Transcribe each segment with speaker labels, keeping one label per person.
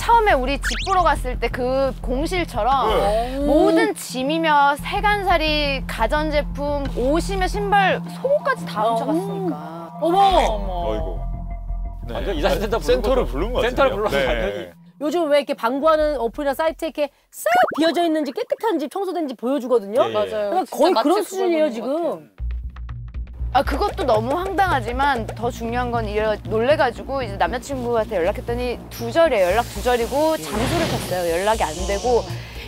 Speaker 1: 처음에 우리 집 보러 갔을 때 그 공실처럼 모든 짐이며 세간살이, 가전제품, 옷이며 신발, 속옷까지 다 훔쳐갔으니까.
Speaker 2: 어머!
Speaker 3: 어이구. 네.
Speaker 4: 완전 이사시 센터
Speaker 3: 센터를 부른 것 같아요.
Speaker 4: 센터를 불러서 완전히.
Speaker 2: 요즘 왜 이렇게 방구하는 어플이나 사이트에 이렇게 싹 비어져 있는지 깨끗한 집, 청소된 집 보여주거든요?
Speaker 3: 네.
Speaker 5: 맞아요.
Speaker 2: 그러니까 거의
Speaker 5: 진짜
Speaker 2: 그런
Speaker 5: 마치
Speaker 2: 수준이에요,
Speaker 5: 그걸 보는 것
Speaker 2: 지금.
Speaker 5: 같아요.
Speaker 1: 아 그것도 너무 황당하지만 더 중요한 건 놀래가지고 이제 남자친구한테 연락했더니 두절이에요. 연락 두절이고 잠수를 탔어요. 연락이 안 되고.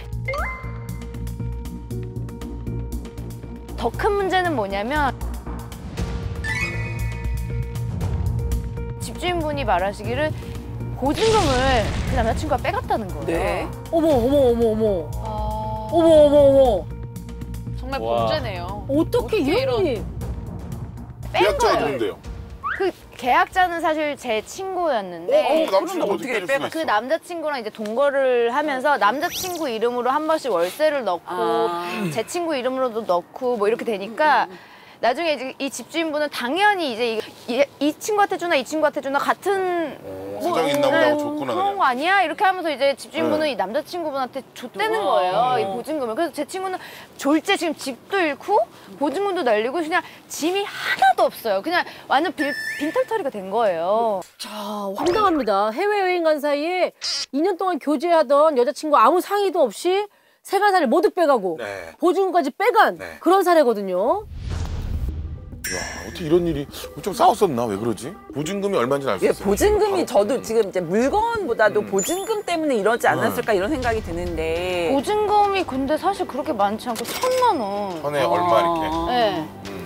Speaker 1: 더 큰 문제는 뭐냐면 집주인분이 말하시기를 보증금을 그 남자친구가 빼갔다는 거예요.
Speaker 5: 네.
Speaker 2: 어머, 어머, 어머, 어머.
Speaker 5: 아,
Speaker 2: 어머, 어머, 어머.
Speaker 5: 정말
Speaker 4: 와.
Speaker 5: 범죄네요.
Speaker 2: 어떻게 이런 일이.
Speaker 1: 뺀
Speaker 6: 계약자가
Speaker 1: 거예요.
Speaker 6: 누군데요?
Speaker 1: 그 계약자는 사실 제 친구였는데
Speaker 6: 남친을
Speaker 5: 어떻게
Speaker 6: 어떻게 빼가?
Speaker 1: 그 남자친구랑 이제 동거를 하면서 남자친구 이름으로 한 번씩 월세를 넣고 제 친구 이름으로도 넣고 뭐 이렇게 되니까 나중에 이제 이 집주인분은 당연히 이제 이 친구한테 주나 이 친구한테 주나 같은
Speaker 6: 사정이 있나 보다 하고 줬구나,
Speaker 1: 그런
Speaker 6: 그냥.
Speaker 1: 거 아니야? 이렇게 하면서 이제 집주인분은 이 남자친구분한테 줬다는 거예요. 이 보증금을. 그래서 제 친구는 졸제 지금 집도 잃고 보증금도 날리고 그냥 짐이 하나도 없어요. 그냥 완전 빈털터리가 된 거예요.
Speaker 2: 자, 황당합니다. 해외여행 간 사이에 2년 동안 교제하던 여자친구 아무 상의도 없이 세간살을 모두 빼가고
Speaker 3: 네.
Speaker 2: 보증금까지 빼간
Speaker 3: 네.
Speaker 2: 그런 사례거든요.
Speaker 6: 야, 어떻게 이런 일이 좀 싸웠었나? 왜 그러지? 보증금이 얼마인지 알 수
Speaker 7: 예,
Speaker 6: 있어요.
Speaker 7: 보증금이 저도 지금 이제 물건보다도 보증금 때문에 이러지 않았을까 이런 생각이 드는데
Speaker 1: 보증금이 근데 사실 그렇게 많지 않고 1,000만 원.
Speaker 6: 전에 얼마 이렇게.
Speaker 1: 네.